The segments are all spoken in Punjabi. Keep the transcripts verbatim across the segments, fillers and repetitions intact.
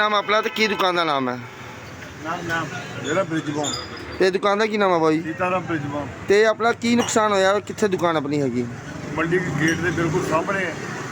ਨਾਮ ਆਪਣਾ ਤੇ ਕੀ ਦੁਕਾਨ ਦਾ ਨਾਮ ਹੈ? ਨਾਮ ਨਾਮ ਜਿਹੜਾ ਬ੍ਰਿਜਬੋਂ ਤੇ ਦੁਕਾਨ ਦਾ ਕੀ ਨਾਮ ਹੈ ਬਾਈ? ਸੀਤਾਰਾਮ ਬ੍ਰਿਜਬੋਂ ਤੇ ਆਪਣਾ ਕੀ ਨੁਕਸਾਨ ਹੋਇਆ? ਕਿੱਥੇ ਦੁਕਾਨ ਆਪਣੀ ਹੈਗੀ? ਮੰਡੀ ਗੇਟ ਦੇ ਬਿਲਕੁਲ ਸਾਹਮਣੇ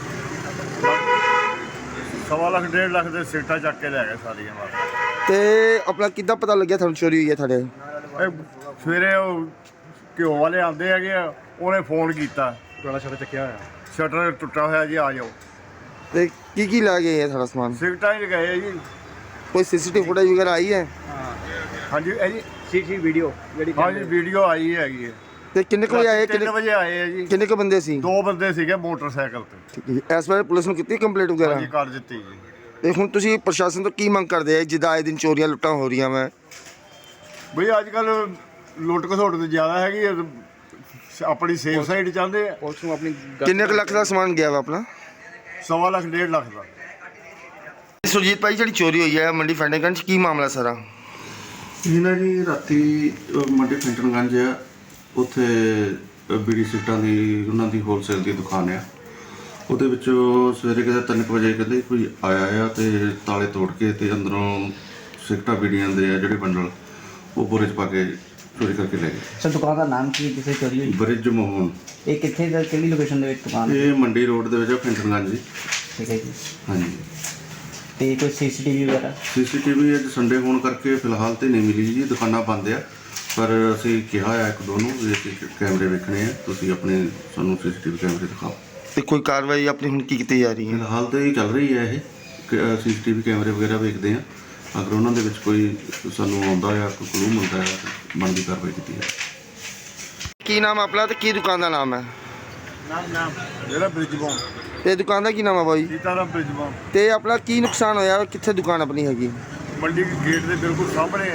ਸਵਾ ਲੱਖ ਡੇਢ ਲੱਖ ਦੇ ਸੀਟਾਂ ਚੱਕ ਕੇ ਲੈ ਗਏ ਸਾਰੀਆਂ ਮਾਰ। ਤੇ ਆਪਣਾ ਕਿੱਦਾਂ ਪਤਾ ਲੱਗਿਆ ਤੁਹਾਨੂੰ ਚੋਰੀ ਹੋਈ ਹੈ ਤੁਹਾਡੇ? ਇਹ ਸਵੇਰੇ ਉਹ ਘਿਓ ਵਾਲੇ ਆਉਂਦੇ ਹੈਗੇ ਆ, ਉਹਨੇ ਫੋਨ ਕੀਤਾ, ਪੁਰਾਣਾ ਸ਼ਟਰ ਚੱਕਿਆ ਹੋਇਆ, ਸ਼ਟਰ ਟੁੱਟਾ ਹੋਇਆ ਜੀ, ਆ ਜਾਓ। ਤੇ ਕੀ ਕੀ ਲੈ ਗਏ ਹੈ ਤੁਹਾਡਾ ਸਮਾਨ? ਸਿਗਟਾਂ ਹੀ ਗਏ ਜੀ। ਕੋਈ ਸੀਸੀਟੀਵੀ ਫੁਟੇਜ ਵਗੈਰਾ ਆਈ ਹੈ? ਹਾਂਜੀ ਇਹ ਜੀ ਸੀਸੀ ਵੀਡੀਓ ਜਿਹੜੀ ਹਾਂਜੀ ਵੀਡੀਓ ਆਈ ਹੈਗੀ ਹੈ। ਤੇ ਕਿੰਨੇ ਕੁ ਵਜੇ ਆਏ? ਤਿੰਨ ਕਿੰਨੇ ਵਜੇ ਆਏ ਆ ਜੀ। ਕਿੰਨੇ ਕੁ ਬੰਦੇ ਸੀ? ਦੋ ਬੰਦੇ ਸੀਗੇ ਮੋਟਰਸਾਈਕਲ ਤੇ। ਠੀਕ ਹੈ ਜੀ। ਇਸ ਬਾਰੇ ਪੁਲਿਸ ਨੂੰ ਕੀਤੀ ਕੰਪਲੇਂਟ ਵਗੈਰਾ? ਹਾਂਜੀ ਕਰ ਦਿੱਤੀ ਜੀ। ਤੇ ਹੁਣ ਤੁਸੀਂ ਪ੍ਰਸ਼ਾਸਨ ਤੋਂ ਕੀ ਮੰਗ ਕਰਦੇ ਆ ਜਿੱਦਾਂ ਆਏ ਦਿਨ ਚੋਰੀਆਂ ਲੁੱਟਾਂ ਹੋ ਰਹੀਆਂ ਵਾ? ਬਈ ਅੱਜ ਕੱਲ ਲੁੱਟ ਘਸੋਟ ਤੇ ਜ਼ਿਆਦਾ ਹੈਗੀ ਹੈ, ਆਪਣੀ ਸੇਫ ਸਾਈਡ ਚਾਹੁੰਦੇ ਆ। ਪੁਲਿਸ ਨੂੰ ਆਪਣੀ ਗੱਲ- ਕਿੰਨੇ ਕੁ ਲੱਖ ਦਾ ਸਮਾਨ ਗਿਆ ਵਾ ਆਪਣਾ? ਸਵਾ ਲੱਖ ਡੇਢ ਲੱਖ ਦਾ। ਸੁਰਜੀਤ ਭਾਈ ਜਿਹੜੀ ਚੋਰੀ ਹੋਈ ਹੈ ਮੰਡੀ ਫੈਂਡੇਗੰਜ, ਕੀ ਮਾਮਲਾ ਸਾਰਾ? ਇਹ ਨਾ ਜੀ ਰਾਤੀ ਅਹ ਮੰਡੀ ਫੈਂਟਨਗੰਜ ਆ, ਉੱਥੇ ਬੀੜੀ ਸਿਗਟਾਂ ਦੀ ਉਹਨਾਂ ਦੀ ਹੋਲਸੇਲ ਦੀ ਦੁਕਾਨ ਆ। ਉਹਦੇ ਵਿੱਚੋਂ ਸਵੇਰੇ ਕਿਤੇ ਤਿੰਨ ਕੁ ਵਜੇ ਕਹਿੰਦੇ ਕੋਈ ਆਇਆ ਆ ਤੇ ਤਾਲੇ ਤੋੜ ਕੇ ਤੇ ਅੰਦਰੋਂ ਸਿਗਟਾਂ ਬੀੜੀਆਂ ਦੇ ਆ ਜਿਹੜੇ ਬੰਡਲ ਉਹ ਬੋਰੇ 'ਚ ਪਾ ਕੇ ਚੋਰੀ ਕਰਕੇ ਲੈ ਗਏ। ਸਰ ਦੁਕਾਨ ਦਾ ਨਾਮ ਕੀ ਜਿੱਥੇ ਚੋਰੀ ਹੋਈ? ਬ੍ਰਿਜ ਮੋਹਨ। ਇਹ ਕਿੱਥੇ ਦਾ, ਕਿਹੜੀ ਲੋਕੇਸ਼ਨ ਦੇ ਵਿੱਚ ਦੁਕਾਨ ਹੈ? ਇਹ ਮੰਡੀ ਰੋਡ ਦੇ ਵਿੱਚ ਆ, ਫੈਂਟਨਗੰਜ ਜੀ। ਠੀਕ ਹੈ ਜੀ। ਹਾਂਜੀ। ਤੇ ਕੋਈ ਸੀਸੀਟੀਵੀ ਵਗੈਰਾ? ਸੀਸੀਟੀਵੀ ਅੱਜ ਸੰਡੇ ਹੋਣ ਕਰਕੇ ਫਿਲਹਾਲ ਤੇ ਨਹੀਂ ਮਿਲੀ ਜੀ, ਦੁਕਾਨਾਂ ਬੰਦ ਆ, ਪਰ ਅਸੀਂ ਕਿਹਾ ਆ ਇੱਕ ਦੋ ਨੂੰ ਵੀ ਅਸੀਂ ਕੈਮਰੇ ਵੇਖਣੇ ਆ, ਤੁਸੀਂ ਆਪਣੇ ਸਾਨੂੰ ਸੀਸੀਟੀਵੀ ਕੈਮਰੇ ਦਿਖਾਓ। ਤੇ ਕੋਈ ਕਾਰਵਾਈ ਆਪਣੀ ਹੁਣ ਕੀ ਕੀਤੀ ਜਾ ਰਹੀ ਹੈ? ਫਿਲਹਾਲ ਤਾਂ ਇਹ ਚੱਲ ਰਹੀ ਹੈ, ਇਹ ਸੀਸੀਟੀਵੀ ਕੈਮਰੇ ਵਗੈਰਾ ਵੇਖਦੇ ਆ, ਅਗਰ ਉਹਨਾਂ ਦੇ ਵਿੱਚ ਕੋਈ ਸਾਨੂੰ ਆਉਂਦਾ ਆ ਕੋਈ ਕਲੂ ਮਿਲਦਾ ਆ ਤਾਂ ਬਣਦੀ ਕਾਰਵਾਈ ਕੀਤੀ ਹੈ। ਕੀ ਨਾਮ ਆਪਣਾ ਤੇ ਕੀ ਦੁਕਾਨ ਦਾ ਨਾਮ ਹੈ? ਨਾਮ ਨਾਮ ਜਿਹੜਾ ਬ੍ਰਿਜਬੋਂ ਤੇ ਦੁਕਾਨ ਦਾ ਕੀ ਨਾਮ ਹੈ ਬਾਈ? ਸੀਤਾਰਾਮ ਬ੍ਰਿਜਬੋਂ ਤੇ ਆਪਣਾ ਕੀ ਨੁਕਸਾਨ ਹੋਇਆ? ਕਿੱਥੇ ਦੁਕਾਨ ਆਪਣੀ ਹੈਗੀ? ਮੰਡੀ ਗੇਟ ਦੇ ਬਿਲਕੁਲ ਸਾਹਮਣੇ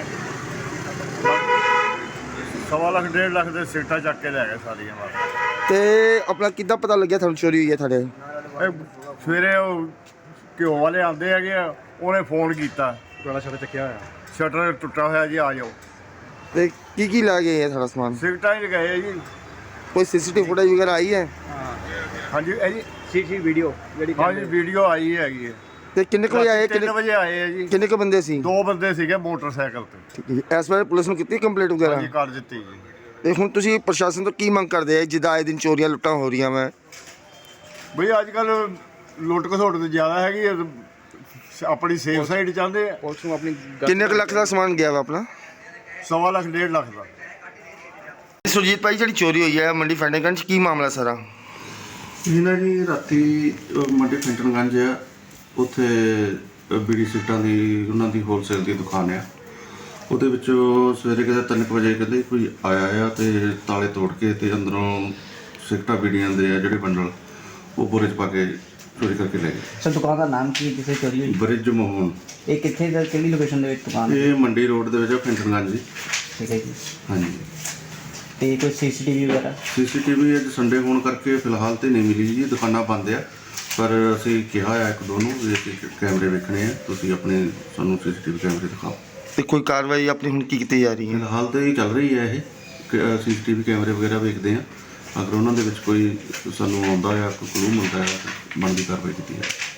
ਸਵਾ ਲੱਖ ਡੇਢ ਲੱਖ ਦੇ ਸੀਟਾਂ ਚੱਕ ਕੇ ਲੈ ਗਏ ਸਾਰੀਆਂ ਮਾਰ। ਤੇ ਆਪਣਾ ਕਿੱਦਾਂ ਪਤਾ ਲੱਗਿਆ ਤੁਹਾਨੂੰ ਚੋਰੀ ਹੋਈ ਹੈ ਤੁਹਾਡੇ? ਇਹ ਸਵੇਰੇ ਉਹ ਘਿਓ ਵਾਲੇ ਆਉਂਦੇ ਹੈਗੇ ਆ, ਉਹਨੇ ਫੋਨ ਕੀਤਾ, ਪੁਰਾਣਾ ਸ਼ਟਰ ਚੱਕਿਆ ਹੋਇਆ, ਸ਼ਟਰ ਟੁੱਟਾ ਹੋਇਆ ਜੀ, ਆ ਜਾਓ। ਤੇ ਕੀ ਕੀ ਲੈ ਗਏ ਹੈ ਤੁਹਾਡਾ ਸਮਾਨ? ਸਿਗਟਾਂ ਹੀ ਗਏ ਜੀ। ਕੋਈ ਸੀਸੀਟੀਵੀ ਫੁਟੇਜ ਵਗੈਰਾ ਆਈ ਹੈ? ਹਾਂਜੀ ਇਹ ਜੀ ਸੀਸੀ ਵੀਡੀਓ ਜਿਹੜੀ ਹਾਂਜੀ ਵੀਡੀਓ ਆਈ ਹੈਗੀ ਹੈ। ਤੇ ਕਿੰਨੇ ਕੁ ਵਜੇ ਆਏ? ਤਿੰਨ ਕਿੰਨੇ ਵਜੇ ਆਏ ਆ ਜੀ। ਕਿੰਨੇ ਕੁ ਬੰਦੇ ਸੀ? ਦੋ ਬੰਦੇ ਸੀਗੇ ਮੋਟਰਸਾਈਕਲ ਤੇ। ਠੀਕ ਹੈ ਜੀ। ਇਸ ਬਾਰੇ ਪੁਲਿਸ ਨੂੰ ਕੀਤੀ ਕੰਪਲੇਂਟ ਵਗੈਰਾ? ਹਾਂਜੀ ਕਰ ਦਿੱਤੀ ਜੀ। ਤੇ ਹੁਣ ਤੁਸੀਂ ਪ੍ਰਸ਼ਾਸਨ ਤੋਂ ਕੀ ਮੰਗ ਕਰਦੇ ਆ ਜਿੱਦਾਂ ਆਏ ਦਿਨ ਚੋਰੀਆਂ ਲੁੱਟਾਂ ਹੋ ਰਹੀਆਂ ਵਾ? ਬਈ ਅੱਜ ਕੱਲ ਲੁੱਟ ਘਸੋਟ ਤੇ ਜ਼ਿਆਦਾ ਹੈਗੀ ਹੈ, ਆਪਣੀ ਸੇਫ ਸਾਈਡ ਚਾਹੁੰਦੇ ਆ। ਪੁਲਿਸ ਨੂੰ ਆਪਣੀ ਗੱਲ- ਕਿੰਨੇ ਕੁ ਲੱਖ ਦਾ ਸਮਾਨ ਗਿਆ ਵਾ ਆਪਣਾ? ਸਵਾ ਲੱਖ ਡੇਢ ਲੱਖ ਦਾ। ਸੁਰਜੀਤ ਭਾਈ ਜਿਹੜੀ ਚੋਰੀ ਹੋਈ ਹੈ ਮੰਡੀ ਫੈਂਡੇਗੰਜ, ਕੀ ਮਾਮਲਾ ਸਾਰਾ? ਇਹ ਨਾ ਜੀ ਰਾਤੀ ਅਹ ਮੰਡੀ ਫੈਂਟਨਗੰਜ ਆ, ਉੱਥੇ ਬੀੜੀ ਸਿਗਟਾਂ ਦੀ ਉਹਨਾਂ ਦੀ ਹੋਲਸੇਲ ਦੀ ਦੁਕਾਨ ਆ। ਉਹਦੇ ਵਿੱਚੋਂ ਸਵੇਰੇ ਕਿਤੇ ਤਿੰਨ ਕੁ ਵਜੇ ਕਹਿੰਦੇ ਕੋਈ ਆਇਆ ਆ ਤੇ ਤਾਲੇ ਤੋੜ ਕੇ ਤੇ ਅੰਦਰੋਂ ਸਿਗਟਾਂ ਬੀੜੀਆਂ ਦੇ ਆ ਜਿਹੜੇ ਬੰਡਲ ਉਹ ਬੋਰੇ 'ਚ ਪਾ ਕੇ ਚੋਰੀ ਕਰਕੇ ਲੈ ਗਏ। ਸਰ ਦੁਕਾਨ ਦਾ ਨਾਮ ਕੀ ਜਿੱਥੇ ਚੋਰੀ ਹੋਈ? ਬ੍ਰਿਜ ਮੋਹਨ। ਇਹ ਕਿੱਥੇ ਦਾ, ਕਿਹੜੀ ਲੋਕੇਸ਼ਨ ਦੇ ਵਿੱਚ ਦੁਕਾਨ ਹੈ? ਇਹ ਮੰਡੀ ਰੋਡ ਦੇ ਵਿੱਚ ਆ, ਫੈਂਟਨਗੰਜ ਜੀ। ਠੀਕ ਹੈ ਜੀ। ਹਾਂਜੀ। ਤੇ ਕੋਈ ਸੀਸੀਟੀਵੀ ਵਗੈਰਾ? ਸੀਸੀਟੀਵੀ ਅੱਜ ਸੰਡੇ ਹੋਣ ਕਰਕੇ ਫਿਲਹਾਲ ਤੇ ਨਹੀਂ ਮਿਲੀ ਜੀ, ਦੁਕਾਨਾਂ ਬੰਦ ਆ, ਪਰ ਅਸੀਂ ਕਿਹਾ ਆ ਇੱਕ ਦੋ ਨੂੰ ਵੀ ਅਸੀਂ ਕੈਮਰੇ ਵੇਖਣੇ ਆ, ਤੁਸੀਂ ਆਪਣੇ ਸਾਨੂੰ ਸੀਸੀਟੀਵੀ ਕੈਮਰੇ ਦਿਖਾਓ। ਤੇ ਕੋਈ ਕਾਰਵਾਈ ਆਪਣੀ ਹੁਣ ਕੀ ਕੀਤੀ ਜਾ ਰਹੀ ਹੈ? ਫਿਲਹਾਲ ਤਾਂ ਇਹ ਚੱਲ ਰਹੀ ਹੈ, ਇਹ ਸੀਸੀਟੀਵੀ ਕੈਮਰੇ ਵਗੈਰਾ ਵੇਖਦੇ ਆ, ਅਗਰ ਉਹਨਾਂ ਦੇ ਵਿੱਚ ਕੋਈ ਸਾਨੂੰ ਆਉਂਦਾ ਆ ਕੋਈ ਕਲੂ ਮਿਲਦਾ ਆ ਤਾਂ ਬਣਦੀ ਕਾਰਵਾਈ ਕੀਤੀ ਹੈ।